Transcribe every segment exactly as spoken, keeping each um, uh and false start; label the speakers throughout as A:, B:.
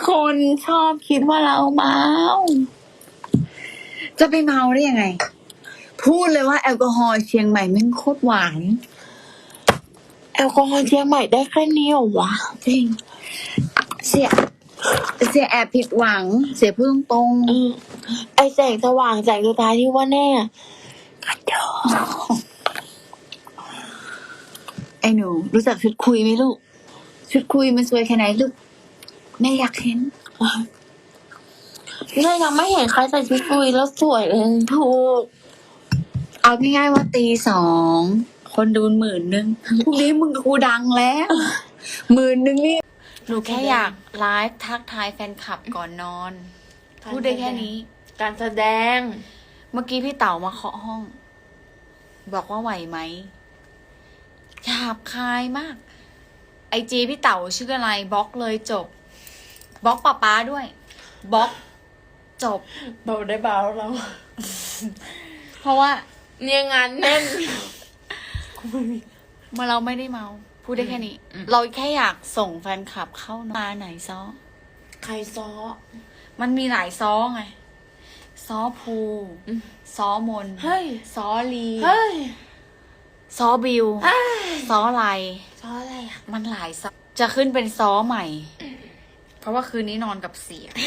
A: คนชอบคิดว่าเราเมาจะไปเมาได้ยังไง พูดเลยว่าแอลกอฮอล์เชียงใหม่แม่งโคตรหวานแอลกอฮอล์เชียงใหม่ได้แค่นี้เหรอวะจริงเสียเสียแอบผิดหวัง เสียพูดตรงๆไอแสงสว่างแสงสุดท้ายที่ว่าแน่กระจอกไอหนูรู้จักชุดคุยไหมลูกชุดคุยมันสวยแค่ไหนลูกแม่อยากเห็นแม่ยังไม่เห็นใครใส่ชุดคุยแล้วสวยเลยถูกเอาง่ายๆว่าตีสองคนดูหมื่นนึงพรุ่งนี้มึงกับกูดังแล้วหมื่นนึงนี่หนูแค่อยากไลฟ์ทักทายแฟนคลับก่อนนอนพูดได้แค่นี้การแสดงเมื่อกี้พี่เต๋ามาเคาะห้องบอกว่าไหวไหมหยาบคายมากไอจีพี่เต๋าชื่ออะไรบล็อกเลยจบบล็อกป้าป๊าด้วยบล็อกจบเบาได้เบาเราเพราะว่าเนี่ยงานแน่นเมื่อเราไม่ได้เมาพูดได้แค่นี้เราแค่อยากส่งแฟนคลับเข้ามาไหนซ้อใครซ้อมันมีหลายซ้อไงซ้อภูซ้อมนซ้อลีซ้อบิวซ้ออะไรซ้ออะไรอ่ะมันหลายซ้อจะขึ้นเป็นซ้อใหม่เพราะว่าคืนนี้นอนกับเสีย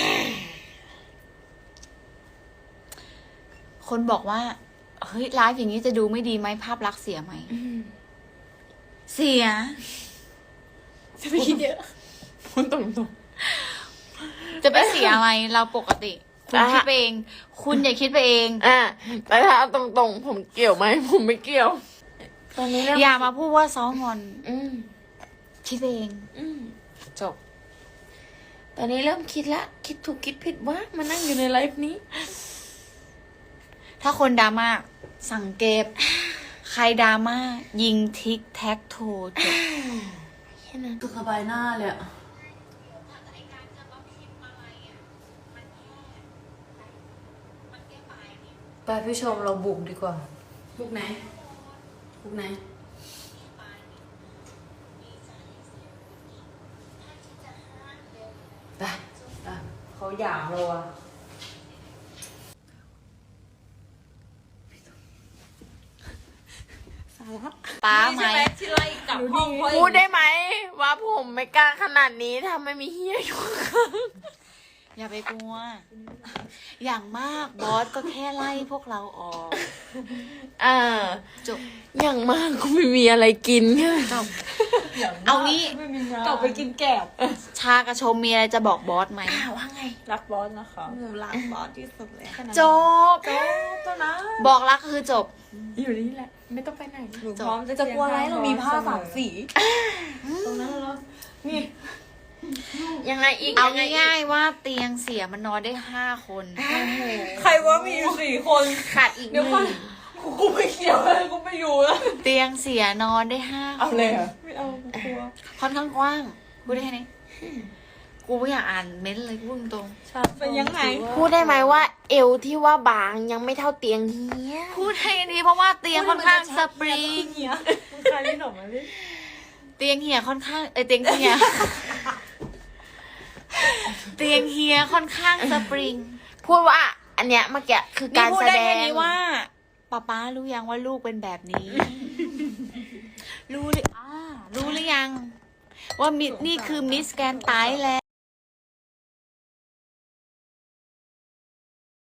A: คนบอกว่าเฮ้ยไลฟ์อย่างนี้จะดูไม่ดีไหมภาพลักษณ์เสียไหมเสียจะไปคิดเยอะพูดตรงๆจะไปเสียอะไรเราปกติคุณคิดไปเองคุณอย่าคิดไปเองอ่ะแต่ถ้าเอาตรงๆผมเกี่ยวไหมผมไม่เกี่ยวตอนนี้อย่ามาพูดว่าซ้องอนอืมคิดเองอืมจบตอนนี้เริ่มคิดละคิดถูกคิดผิดว่ามานั่งอยู่ในไลฟ์นี้ถ้าคนดราม่าสังเกตใครดราม่ายิงทิกแท็กโทจบแค่นั้นสบายหน้าเลยอะไปพี่ชมเราบุกดีกว่าบุกไหนบุกไหนไปเขาอยากเราอะป้าไหมพูดได้ไหมว่าผมไม่กล้าขนาดนี้ถ้าไม่มีเฮียอยู่อย่าไปกลัวอย่างมากบอสก็แค่ไล่พวกเราออกอ่าจบอย่างมากก็ไม่มีอะไรกินจบเอางี้กลับไปกินแกบชากระชมมีอะไรจะบอกบอสไหมว่าไงรักบอสนะคะหนูรักบอสที่สุดเลยจบจบตัวนะบอกรักคือจบอยู่นี่แหละไม่ต้องไปไหนหนูพร้อมจะกลัวอะไรเรามีผ้าสามสีตรงนั้นแล้วนี่ยังไงอีกเอาง่ายๆว่าเตียงเสียมันนอนได้ห้าคน
B: ใครว่ามีอยู่สี่คน
A: ขาดอีกหนึ่ง
B: กูไม่เกี่ยวเลยกูไม่อยู่แล้ว
A: เตียงเสียนอนได้ห้าคนเอา
B: เลยอ่ะไม่เอากลัว
A: ค่อนข้างกว้างพูดได้แค่นี้กูไม่อยากอ่านเม้นเลยพูดตรง
B: เป็นยังไง
A: พูดได้ไหมว่าเอวที่ว่าบางยังไม่เท่าเตียงเฮียพูดให้ดีเพราะว่าเตียงค่อนข้างสปริง
B: เฮียมึงใครนี่หนอมาดิ
A: เตียงเฮียค่อนข้างเอเตียงเฮียเตียงเฮียค่อนข้างสปริงพูดว่าอันเนี้ยเมื่อกี้คือการแสดงนี้ว่าป้าป้ารู้ยังว่าลูกเป็นแบบนี้รู้หรืออ่ารู้หรือยังว่ามินี่คือมิสแกนไตแล